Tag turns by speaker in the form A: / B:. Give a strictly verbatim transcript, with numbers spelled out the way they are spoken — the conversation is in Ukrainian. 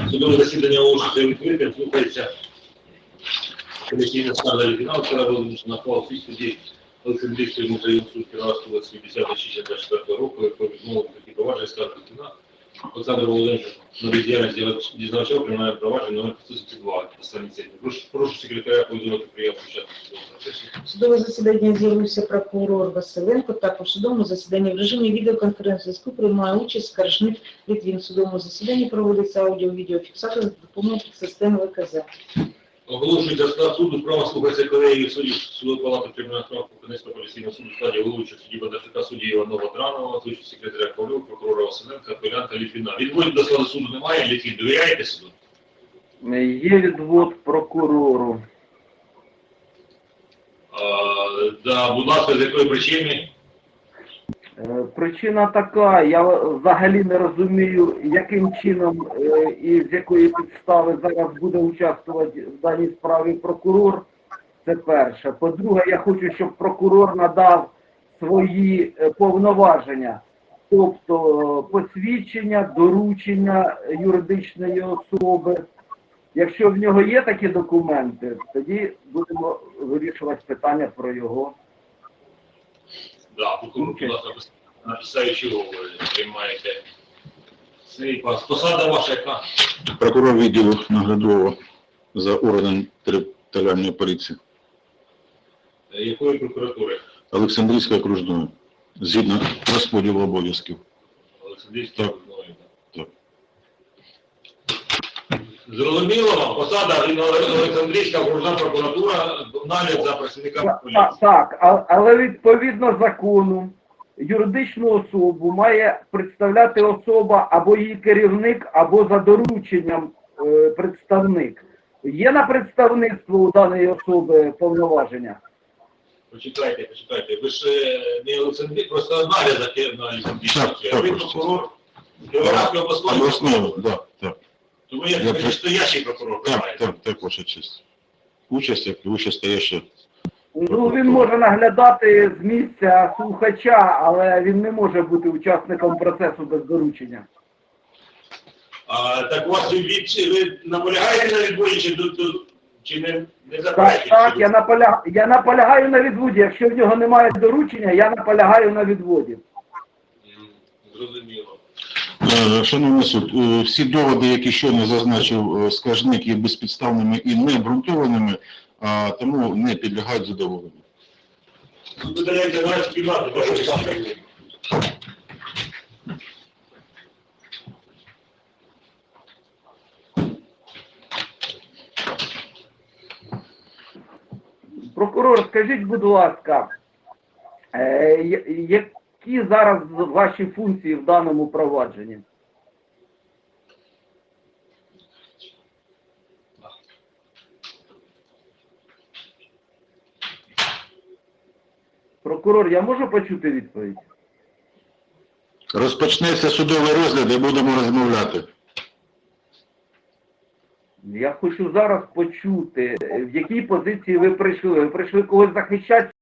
A: Судове засідання оголошується відкритим, слухається комісійна скарга Літвіна, вчора визначена на хвалу свій суді Олександрійської музею суд Кіровоградської області п'ятдесят шість двадцять четвертого року, про відмову такі провадження скарги Літвіна. Олександр Володимирович на бездіяльність дізнавача приймає провадження номер п'ятсот сімдесят два на страниці. Прошу, прошу секретаря повідомити приємну початку судового процесу.
B: Судове засідання з'явився прокурор Василенко. Також в судовому засіданні в режимі відеоконференц-зв'язку приймає участь скаржник Літвін. В судовому засіданні проводиться аудіо-відеофіксація за допомогою системи В К З.
A: Оголошується склад суду, справа слухається колегії суддів судової палати кримінального справ Кропивницького апеляційного суду в складі головуючого судді Бондарчука, судді Іванова Дранова, звичайно секретаря Павлюк, прокурора Василенка, апелянта Літвіна. Відводів до складу суду немає, Літвін, довіряєте суду?
C: Є відвод прокурору.
A: А, да, будь ласка, з якої причини?
C: Е, Причина така, я взагалі не розумію, яким чином е, і з якої підстави зараз буде участвувати в даній справі прокурор. Це перше. По-друге, я хочу, щоб прокурор надав свої е, повноваження, тобто е, посвідчення, доручення юридичної особи. Якщо в нього є такі документи, тоді будемо вирішувати питання про його.
A: Да, прокурор, будь ласка, на підставі чого ви приймаєте цей пас. Посада ваша яка?
D: Прокурор відділу наглядового за органом територіальної поліції
A: Е, Якої прокуратури?
D: Олександрійської окружної, згідно розподілу обов'язків.
A: Олександрійської
D: Так.
A: окружної.
D: Так.
A: Зрозуміло вам? Посада Олександрійська окружна прокуратура, нагляд за працівниками
C: Так,
A: поліції.
C: так, а- але відповідно закону юридичну особу має представляти особа або її керівник, або за дорученням е, представник. Є на представництво у даної особи повноваження?
A: Почекайте, почекайте. Ви ж е, не Олександрій, просто нагляд за тим на Олександрійській.
D: Так, так,
A: Ви
D: так.
A: прокурор Кіровоградської обласної
D: Обласного,
A: прокуратури.
D: да, так.
A: Тому як
D: Я
A: вищестоящий прокурор
D: Так,
A: приймаєте.
D: так, так, ваша честь. Участь, як і вищестояща.
C: Ну, він може наглядати з місця слухача, але він не може бути учасником процесу без доручення.
A: А, так у вас від, ви наполягаєте на відборі, чи, тут- тут- чи не, не
C: Так,
A: заперечуєте?
C: так, я, наполя... я наполягаю на відводі. Якщо в нього немає доручення, я наполягаю на відводі.
A: М, Зрозуміло.
D: Е, Шановний суд, е, всі доводи, які щойно зазначив е, скаржник, є безпідставними і необґрунтованими, а тому не підлягають задоволенню.
A: Тут видається навіть кімнату, то що саме.
C: Прокурор, скажіть, будь ласка, е, я- які зараз ваші функції в даному провадженні? Прокурор, я можу почути відповідь?
D: Розпочнеться судовий розгляд і будемо розмовляти.
C: Я хочу зараз почути, в якій позиції ви прийшли. Ви прийшли когось захищати?